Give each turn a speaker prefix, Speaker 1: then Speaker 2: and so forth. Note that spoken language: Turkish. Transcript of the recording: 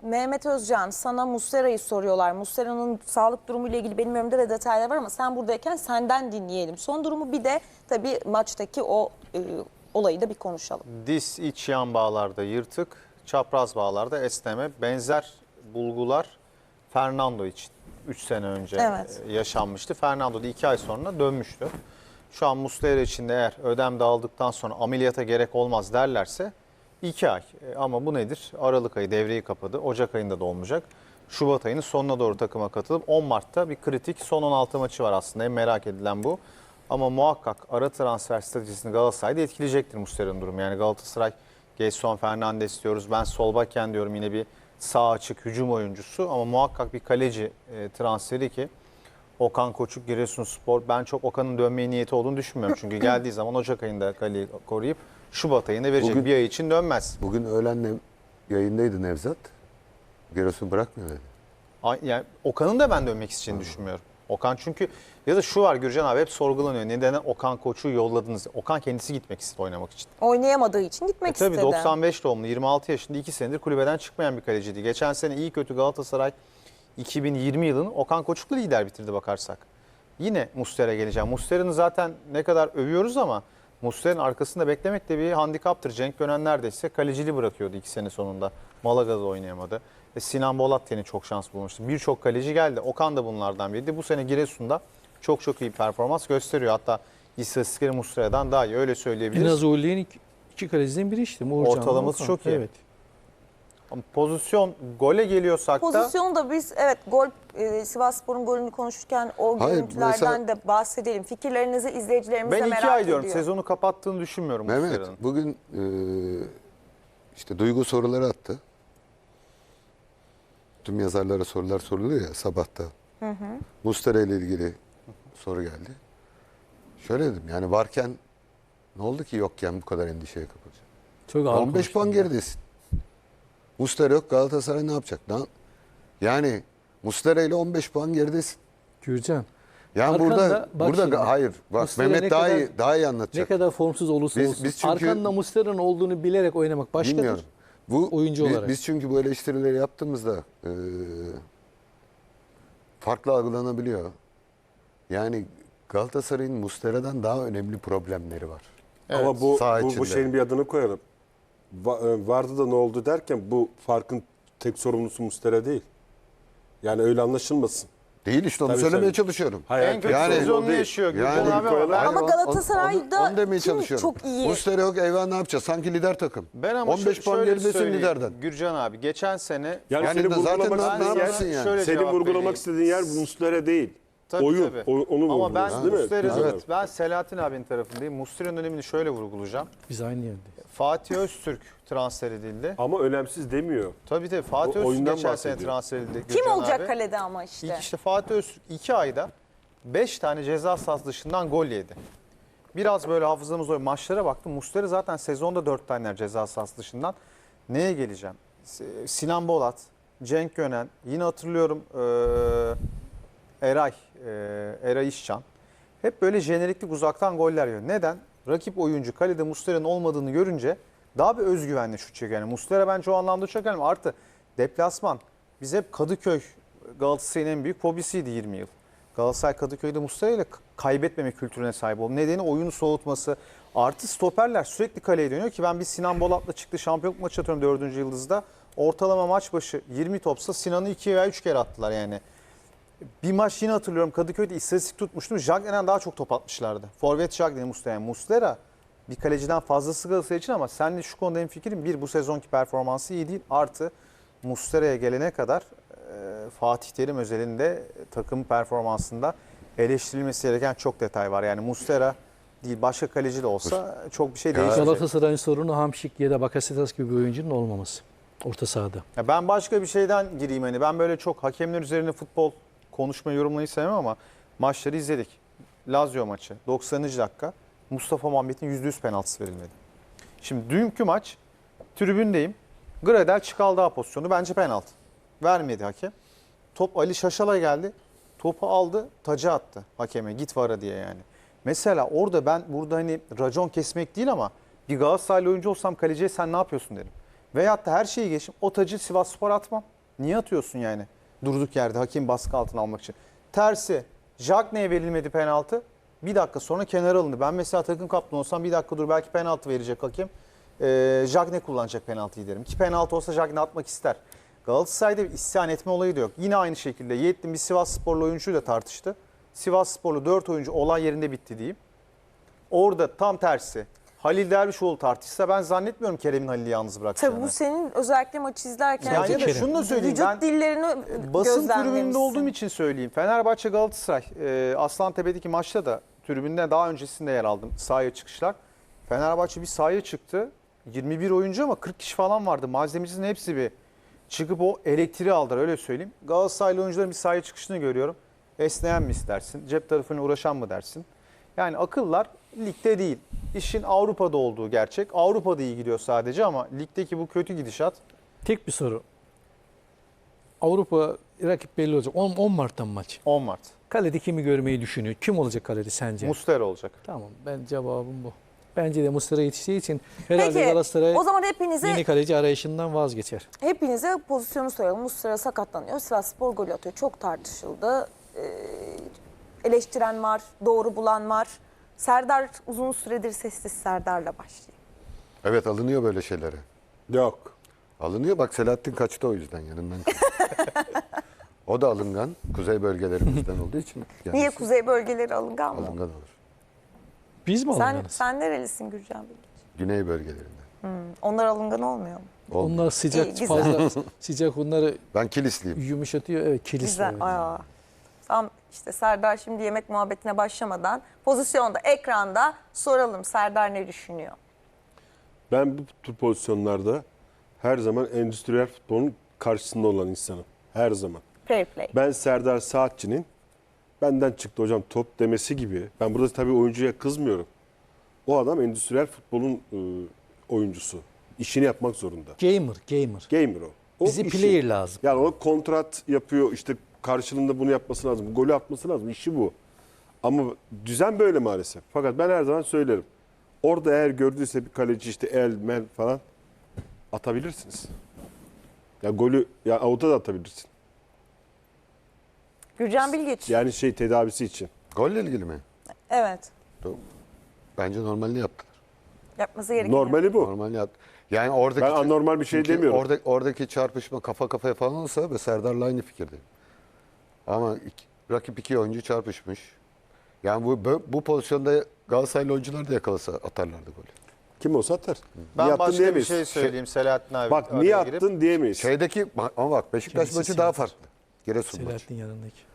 Speaker 1: Mehmet Özcan, sana Muslera'yı soruyorlar. Muslera'nın sağlık durumuyla ilgili benim önümde de detaylar var ama sen buradayken senden dinleyelim. Son durumu bir de tabii maçtaki o olayı da bir konuşalım.
Speaker 2: Diz iç yan bağlarda yırtık, çapraz bağlarda esneme, benzer bulgular Fernando için 3 sene önce
Speaker 1: Evet.
Speaker 2: yaşanmıştı. Fernando da 2 ay sonra dönmüştü. Şu an Muslera için de eğer ödem dağıldıktan sonra ameliyata gerek olmaz derlerse 2 ay. Ama bu nedir? Aralık ayı devreyi kapadı. Ocak ayında da olmayacak. Şubat ayının sonuna doğru takıma katılıp 10 Mart'ta bir kritik son 16 maçı var aslında. En merak edilen bu. Ama muhakkak ara transfer stratejisini Galatasaray'da etkileyecektir Muslera'nın durumu. Yani Galatasaray Gelson Fernandes diyoruz. Ben sol beken diyorum, yine bir sağ açık hücum oyuncusu. Ama muhakkak bir kaleci transferi ki Okan Koçuk, Giresunspor. Ben çok Okan'ın dönmeye niyeti olduğunu düşünmüyorum. Çünkü geldiği zaman Ocak ayında kaleyi koruyup Şubat ayında verecek.
Speaker 3: Bugün-
Speaker 2: Bir ay için dönmez.
Speaker 3: Bugün öğlenle yayındaydı Nevzat. Giresun bırakmıyor dedi.
Speaker 2: Yani Okan'ın da ben dönmek isteyeceğini düşünmüyorum. Okan çünkü, ya da şu var Gürcan abi, hep sorgulanıyor. Neden Okan Koç'u yolladınız? Okan kendisi gitmek istedi oynamak için.
Speaker 1: Oynayamadığı için gitmek
Speaker 2: Tabii
Speaker 1: istedi.
Speaker 2: 95 doğumlu, 26 yaşında, 2 senedir kulübeden çıkmayan bir kaleciydi. Geçen sene iyi kötü Galatasaray 2020 yılını Okan Koçuk'la lider bitirdi bakarsak. Yine Muslera'ya geleceğim. Muslera'nın zaten ne kadar övüyoruz ama Muslera'nın arkasında beklemek de bir handikaptır. Cenk Gönen neredeyse kaleciliği bırakıyordu 2 sene sonunda. Malaga'da oynayamadı. Sinan Bolat yine çok şans bulmuştu. Birçok kaleci geldi. Okan da bunlardan biriydi. Bu sene Giresun'da çok iyi performans gösteriyor. Hatta istatistikleri Muslera'dan daha iyi, öyle
Speaker 4: En
Speaker 2: söyleyebiliriz.
Speaker 4: az Uğurlu'nun iki kaleciden biri işte. Uğurcan,
Speaker 2: Ortalaması
Speaker 4: Okan.
Speaker 2: çok iyi.
Speaker 4: Evet.
Speaker 2: Ama pozisyon gole geliyorsak da
Speaker 1: Pozisyonu da biz gol Sivasspor'un golünü konuşurken o
Speaker 3: Hayır,
Speaker 1: görüntülerden
Speaker 3: mesela-
Speaker 1: de bahsedelim. Fikirlerinizi izleyicilerimiz de
Speaker 2: ben
Speaker 1: merak
Speaker 2: 2 ay
Speaker 1: ediyor.
Speaker 2: diyorum. Sezonu kapattığını düşünmüyorum
Speaker 3: Mehmet
Speaker 2: Muslera'nın.
Speaker 3: bugün işte Duygu soruları attı. Tüm yazarlara sorular soruluyor ya sabahta. Muslera ile ilgili soru geldi. Şöyle dedim, yani varken ne oldu ki yokken bu kadar endişeye kapılacak?
Speaker 4: Çok ağır
Speaker 3: 15 puan
Speaker 4: konuştun ya.
Speaker 3: geridesin. Muslera yok, Galatasaray ne yapacak? Yani Muslera ile 15 puan geridesin.
Speaker 4: Gürcan.
Speaker 3: Yani
Speaker 4: Arkanda, bak şimdi,
Speaker 3: hayır bak
Speaker 4: Muslera
Speaker 3: Mehmet
Speaker 4: ne
Speaker 3: daha
Speaker 4: kadar-
Speaker 3: iyi
Speaker 4: Ne
Speaker 3: anlatacak.
Speaker 4: kadar formsuz olursa
Speaker 3: Biz-
Speaker 4: olsun.
Speaker 3: biz çünkü-
Speaker 4: Arkanda Muslera'nın olduğunu bilerek oynamak başkadır.
Speaker 3: Bilmiyorum. Bu
Speaker 4: oyuncu olarak.
Speaker 3: Biz çünkü bu eleştirileri yaptığımızda farklı algılanabiliyor. Yani Galatasaray'ın Muslera'dan daha önemli problemleri var.
Speaker 5: Ama bu
Speaker 3: saha içinde.
Speaker 5: şeyin bir adını koyalım. Vardı da ne oldu derken bu farkın tek sorumlusu Muslera değil. Yani öyle anlaşılmasın.
Speaker 3: Değil işte, onu
Speaker 5: Tabii,
Speaker 3: söylemeye
Speaker 5: tabii.
Speaker 3: çalışıyorum.
Speaker 5: Hayır,
Speaker 2: En kötü
Speaker 3: Yani-
Speaker 2: sezonunu
Speaker 5: o değil.
Speaker 2: yaşıyor.
Speaker 3: Yani-
Speaker 2: Gürcan abi, ama ben,
Speaker 1: Ama
Speaker 3: Hayır,
Speaker 1: Galatasaray'da
Speaker 3: onu demeye
Speaker 1: kim
Speaker 3: çalışıyorum.
Speaker 1: çok iyi?
Speaker 3: Muslera yok, eyvah ne yapacağız? Sanki lider takım.
Speaker 2: ben ama
Speaker 3: 15 puan
Speaker 2: şöyle
Speaker 3: geridesin
Speaker 2: söyleyeyim.
Speaker 3: liderden.
Speaker 2: Gürcan abi geçen sene
Speaker 5: Yani,
Speaker 3: Yani
Speaker 5: senin
Speaker 3: de zaten
Speaker 5: vurgulamak
Speaker 3: ne
Speaker 5: istediğin
Speaker 3: yapsın
Speaker 5: yer,
Speaker 3: yani?
Speaker 2: şöyle
Speaker 5: senin
Speaker 2: cevap
Speaker 5: vurgulamak
Speaker 2: vereyim.
Speaker 5: istediğin yer Muslera değil.
Speaker 2: Tabii,
Speaker 5: Oyun.
Speaker 2: tabii.
Speaker 5: Onu
Speaker 2: Ama ben
Speaker 5: vurguluyorsun değil mi?
Speaker 2: Muslera'nın,
Speaker 3: Evet.
Speaker 2: ben Selahattin abinin tarafındayım. Muslera'nın önemini şöyle vurgulayacağım.
Speaker 4: Biz aynı yerdeyiz.
Speaker 2: Fatih Öztürk transfer edildi.
Speaker 5: Ama önemsiz demiyor.
Speaker 2: Tabii Fatih
Speaker 5: O
Speaker 2: Öztürk
Speaker 5: oyundan
Speaker 2: geçen sene
Speaker 5: bahsediyor.
Speaker 2: transfer edildi.
Speaker 1: Kim
Speaker 2: Gürcan
Speaker 1: olacak
Speaker 2: abi.
Speaker 1: kalede ama işte.
Speaker 2: İlk işte Fatih Öztürk 2 ayda 5 tane ceza sahası dışından gol yedi. Biraz böyle hafızamız o maçlara baktım. Muslera zaten sezonda 4 tane ceza sahası dışından. Neye geleceğim? Sinan Bolat, Cenk Gönen, yine hatırlıyorum Eray İşcan. Hep böyle jeneriklik uzaktan goller yiyor. Neden? Rakip oyuncu kalede Muslera'nın olmadığını görünce daha bir özgüvenle şut çekiyor. Yani Muslera bence o anlamda çok önemli. Artı deplasman. Biz hep Kadıköy Galatasaray'ın en büyük fobisiydi 20 yıl. Galatasaray Kadıköy'de Muslera ile kaybetmeme kültürüne sahip oldu. Nedeni oyunu soğutması. Artı stoperler sürekli kaleye dönüyor ki ben bir Sinan Bolat'la çıktı şampiyonluk maçı atıyorum 4. yıldızda. Ortalama maç başı 20 topsa Sinan'ı 2 veya 3 kere attılar yani. Bir maç yine hatırlıyorum Kadıköy'de istatistik tutmuştum. Jagden'den daha çok top atmışlardı. Forvet Jagden'i Muslera. Yani Muslera bir kaleciden fazlası Galatasaray için ama seninle şu konuda hemfikirim. Bir, bu sezonki performansı iyi değil. Artı Muslera'ya gelene kadar Fatih Terim özelinde takım performansında eleştirilmesi gereken çok detay var. Yani Muslera değil başka kaleci de olsa çok bir şey değişmeyecek.
Speaker 4: Galatasaray'ın sorunu Hamşik ya da Bakasetas gibi bir oyuncunun olmaması. Orta sahada.
Speaker 2: Ya ben başka bir şeyden gireyim hani. Ben böyle çok hakemler üzerine futbol konuşmayı yorumlayı sevmem ama maçları izledik. Lazio maçı 90. dakika Mustafa Muhammed'in %100 penaltısı verilmedi. Şimdi dünkü maç tribündeyim. Gradel Çıkaldağ pozisyonu bence penaltı. Vermedi hakem. Top Ali Şaşal'a geldi. Topu aldı, taca attı hakeme. Git vara diye yani. Mesela orada ben burada hani racon kesmek değil ama bir Galatasaraylı oyuncu olsam kaleciye sen ne yapıyorsun derim. Veyahut da her şeyi geçim o tacı Sivasspor atmam. Niye atıyorsun yani? Durduk yerde hakem baskı altına almak için. Tersi, Jagne'ye verilmedi penaltı. Bir dakika sonra kenara alındı. Ben mesela takım kaptanı olsam bir dakika dur belki penaltı verecek hakem. Jagne kullanacak penaltıyı derim. Ki penaltı olsa Jagne atmak ister. Galatasaray'da bir isyan etme olayı da yok. Yine aynı şekilde Yiğit'in bir Sivassporlu oyuncuyla tartıştı. Sivassporlu 4 oyuncu olay yerinde bitti diyeyim. Orada tam tersi. Halil Dervişoğlu tartışsa ben zannetmiyorum Kerem'in Halil'i yalnız bırakacağını.
Speaker 1: Tabii bu senin özellikle maçı izlerken
Speaker 2: Yani ya da
Speaker 4: Kerem.
Speaker 2: şunu da söyleyeyim.
Speaker 1: vücut
Speaker 2: Ben
Speaker 1: dillerini
Speaker 2: basın
Speaker 1: gözlemlemişsin.
Speaker 2: tribününde olduğum için söyleyeyim. Fenerbahçe Galatasaray Aslantepe'deki maçta da tribünde daha öncesinde yer aldım. Sahaya çıkışlar. Fenerbahçe bir sahaya çıktı. 21 oyuncu ama 40 kişi falan vardı. Malzemecinin hepsi bir çıkıp o elektriği aldılar öyle söyleyeyim. Galatasaraylı oyuncuların bir sahaya çıkışını görüyorum. Esneyen mi istersin? Cep tarafına uğraşan mı dersin? Yani akıllar ligde değil. İşin Avrupa'da olduğu gerçek. Avrupa'da iyi gidiyor sadece ama ligdeki bu kötü gidişat
Speaker 4: Tek bir soru. Avrupa rakip belli olacak. 10 Mart'tan maç.
Speaker 2: 10 Mart.
Speaker 4: Kalede kimi görmeyi düşünüyor? Kim olacak kalede sence?
Speaker 2: Muslera olacak.
Speaker 4: Tamam, ben cevabım bu. Bence de Muslera yetiştiği için herhalde
Speaker 1: Peki
Speaker 4: Galatasaray
Speaker 1: o zaman
Speaker 4: yeni kaleci arayışından vazgeçer.
Speaker 1: hepinize pozisyonu soralım. Muslera sakatlanıyor. Sivasspor gol atıyor. Çok tartışıldı. Eleştiren var, doğru bulan var. Serdar uzun süredir sessiz. Serdar'la başlayayım.
Speaker 3: Evet, alınıyor böyle şeylere.
Speaker 5: Yok.
Speaker 3: Alınıyor, bak Selahattin kaçtı o yüzden yanından. O da alıngan. Kuzey bölgelerimizden olduğu için. Yani
Speaker 1: Niye kuzey bölgeleri alıngan mı?
Speaker 3: alıngan olur.
Speaker 4: Biz mi
Speaker 1: Sen,
Speaker 4: alınganız?
Speaker 1: sen nerelisin Gürcan Bilgiç?
Speaker 3: Güney bölgelerinden.
Speaker 1: Onlar alıngan olmuyor mu?
Speaker 3: Olmuyor.
Speaker 4: Onlar sıcak
Speaker 1: İyi, güzel.
Speaker 4: fazla sıcak onları
Speaker 3: Ben Kilisliyim.
Speaker 4: yumuşatıyor. Evet, kilis.
Speaker 1: Güzel.
Speaker 4: Evet.
Speaker 1: Aa. Tam işte Serdar şimdi yemek muhabbetine başlamadan pozisyonda, ekranda soralım Serdar ne düşünüyor?
Speaker 5: Ben bu tür pozisyonlarda her zaman endüstriyel futbolun karşısında olan insanım. Her zaman.
Speaker 1: Fair play.
Speaker 5: Ben Serdar Saatçı'nın benden çıktı hocam top demesi gibi. Ben burada tabii oyuncuya kızmıyorum. O adam endüstriyel futbolun oyuncusu. İşini yapmak zorunda.
Speaker 4: Gamer.
Speaker 5: Gamer o. O
Speaker 4: Bize
Speaker 5: işi.
Speaker 4: player lazım.
Speaker 5: Yani o kontrat yapıyor işte karşılığında bunu yapması lazım. Golü atması lazım. İşi bu. Ama düzen böyle maalesef. Fakat ben her zaman söylerim. Orada eğer gördüyse bir kaleci işte el, mel falan atabilirsiniz. Ya golü ya avuta da atabilirsin.
Speaker 1: Gürcan Bilgiç.
Speaker 5: Yani tedavisi için.
Speaker 3: Golle ilgili mi?
Speaker 1: Evet.
Speaker 3: Bence normalini yaptılar.
Speaker 1: Yapması gerekiyor.
Speaker 5: Normali bu.
Speaker 3: Normalini yaptı. Yani oradaki
Speaker 5: Ben anormal bir şey
Speaker 3: çünkü
Speaker 5: demiyorum.
Speaker 3: Oradaki çarpışma kafa kafaya falan olsa ve Serdar'la aynı fikirdeyim. Ama rakip iki oyuncu çarpışmış. Yani bu pozisyonda Galatasaraylı oyuncular da yakalasa atarlardı golü.
Speaker 5: Kim olsa atar.
Speaker 2: Ben
Speaker 5: Niye attın
Speaker 2: başka bir
Speaker 5: diyemeyiz.
Speaker 2: şey söyleyeyim Selahattin abi.
Speaker 5: Bak
Speaker 2: araya
Speaker 5: niye
Speaker 2: girip.
Speaker 5: attın diyemeyiz.
Speaker 3: Şeydeki ama bak Beşiktaş
Speaker 4: Kendisi
Speaker 3: maçı daha
Speaker 4: Sivas.
Speaker 3: farklı. Giresun maçı.
Speaker 4: Selahattin yanındaki.